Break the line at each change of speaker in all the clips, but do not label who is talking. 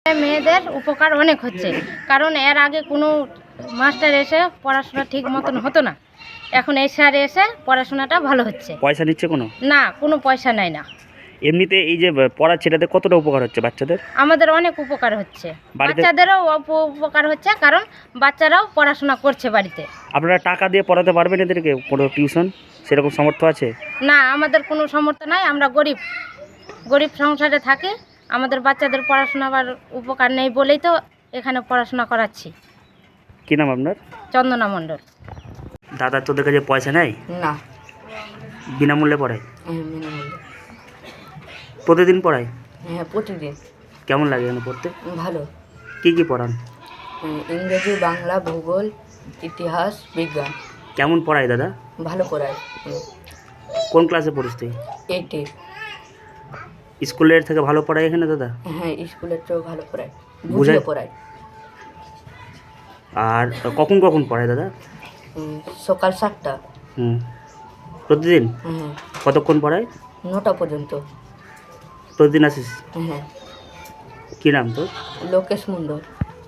মেয়েদের উপকার অনেক হচ্ছে, কারণ এর আগে কোনো মাস্টার এসে পড়াশোনা ঠিক মতন হতো না। এখন এই স্যার এসে পড়াশোনাটা ভালো হচ্ছে।
পয়সা নিচ্ছে কোনো?
না, কোনো পয়সা নেয় না।
এমনিতে এই যে পড়াচ্ছে এটাতে কতটা উপকার হচ্ছে বাচ্চাদের?
আমাদের অনেক উপকার হচ্ছে,
বাড়িতে
বাচ্চাদেরও উপকার হচ্ছে, কারণ বাচ্চারাও পড়াশোনা করছে বাড়িতে।
আপনারা টাকা দিয়ে পড়াতে পারবেন এদেরকে? কোনো টিউশন সেরকম সামর্থ্য আছে?
না, আমাদের কোনো সামর্থ্য নাই, আমরা গরিব সংসারে থাকি। আমাদের বাচ্চাদের পড়াশোনার উপকার নেই বলেই তো এখানে পড়াশোনা করাচ্ছি।
কী নাম আপনার?
চন্দনা মণ্ডল।
দাদা তোদের কাছে পয়সা নেয়?
না,
বিনামূল্যে পড়ায়?
বিনামূল্যে।
প্রতিদিন পড়ায়?
হ্যাঁ, প্রতিদিন।
কেমন লাগে এখানে পড়তে?
ভালো।
কী পড়ান?
ইংরেজি, বাংলা, ভূগোল, ইতিহাস, বিজ্ঞান।
কেমন পড়ায় দাদা?
ভালো পড়ায়।
কোন ক্লাসে পড়িস তুই?
8-এ।
স্কুলের থেকে ভালো পড়ায় এখানে দাদা?
হ্যাঁ, স্কুলের চেয়েও ভালো পড়ায়,
বুঝায়?
বুঝিয়ে পড়ায়।
আর কখন কখন পড়ায় দাদা?
সকাল 7টা।
প্রতিদিন?
হ্যাঁ,
কতক্ষণ পড়ায়?
9টা পর্যন্ত।
প্রতিদিন আসিস?
হ্যাঁ।
কী নাম তোর?
লোকেশ মণ্ডল।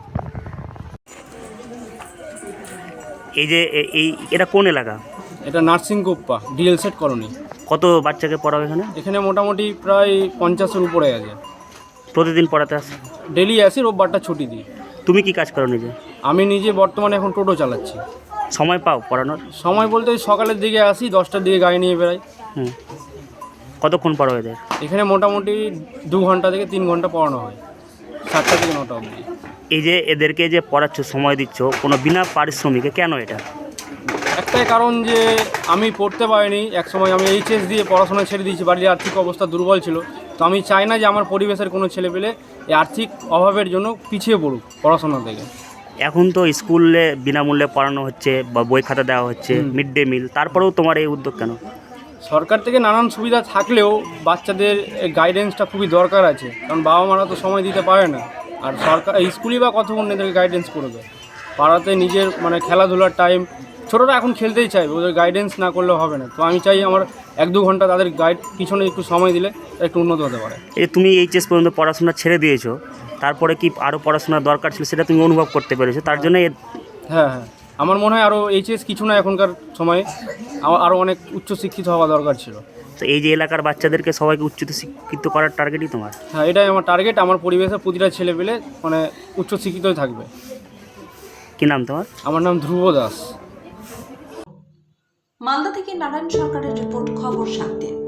এই যে এটা কোন এলাকা?
এটা নার্সিং কোপ্পা ডিএল সেট কলোনি।
কত বাচ্চাকে পড়াও এখানে?
এখানে মোটামুটি প্রায় 50-এর উপরে আছে।
প্রতিদিন পড়াতে আসে?
ডেলি আসি, রোববারটা ছুটি দিই।
তুমি কি কাজ করো নিজে?
আমি নিজে বর্তমানে এখন টোটো চালাচ্ছি।
সময় পাও পড়ানোর?
সময় বলতে ওই সকালের দিকে আসি, 10টার দিকে গাড়ি নিয়ে বেড়াই।
কতক্ষণ পড়াও এদের?
এখানে মোটামুটি 2 ঘন্টা থেকে 3 ঘন্টা পড়ানো হয়, 7টা থেকে 9টা অবধি।
এই যে এদেরকে যে পড়াচ্ছ, সময় দিচ্ছ, কোনো বিনা পারিশ্রমিকে, কেন এটা?
একটাই কারণ যে আমি পড়তে পারিনি, একসময় আমি এইচএস দিয়ে পড়াশোনা ছেড়ে দিয়েছি, বাড়ির আর্থিক অবস্থা দুর্বল ছিল। তো আমি চাই না যে আমার পরিবেশের কোনো ছেলেপেলে এই আর্থিক অভাবের জন্য পিছিয়ে পড়ুক পড়াশোনা থেকে।
এখন তো স্কুলে বিনামূল্যে পড়ানো হচ্ছে বা বই খাতা দেওয়া হচ্ছে, মিড ডে মিল, তারপরেও তোমার এই উদ্যোগ কেন?
সরকার থেকে নানান সুবিধা থাকলেও বাচ্চাদের গাইডেন্সটা খুবই দরকার আছে, কারণ বাবা মারা তো সময় দিতে পারে না। আর সরকার স্কুলই বা কতক্ষণ এদেরকে গাইডেন্স করবে? পাড়াতে নিজের খেলাধুলার টাইম, ছোটরা এখন খেলতেই চাইবে, ওদের গাইডেন্স না করলে হবে না। তো আমি চাই আমার 1-2 ঘন্টা তাদের গাইড পিছনে একটু সময় দিলে একটু উন্নত হতে পারে।
এই তুমি এইচএস পর্যন্ত পড়াশোনা ছেড়ে দিয়েছো, তারপরে কি আরও পড়াশোনার দরকার ছিল সেটা তুমি অনুভব করতে পেরেছো, তার জন্য
হ্যাঁ, আমার মনে হয় আরও এইচএস কিছু না, এখনকার সময়ে আমার আরও অনেক উচ্চশিক্ষিত হওয়া দরকার ছিল।
তো এই যে এলাকার বাচ্চাদেরকে সবাইকে শিক্ষিত করার টার্গেটই তোমার?
হ্যাঁ, এটাই আমার টার্গেট। আমার পরিবেশে প্রতিটা ছেলে পেলে উচ্চশিক্ষিতই থাকবে।
কী নাম তোমার?
আমার নাম ধ্রুব দাস।
মালদা থেকে নারায়ণ সরকারের রিপোর্ট, খবর 7 দিন।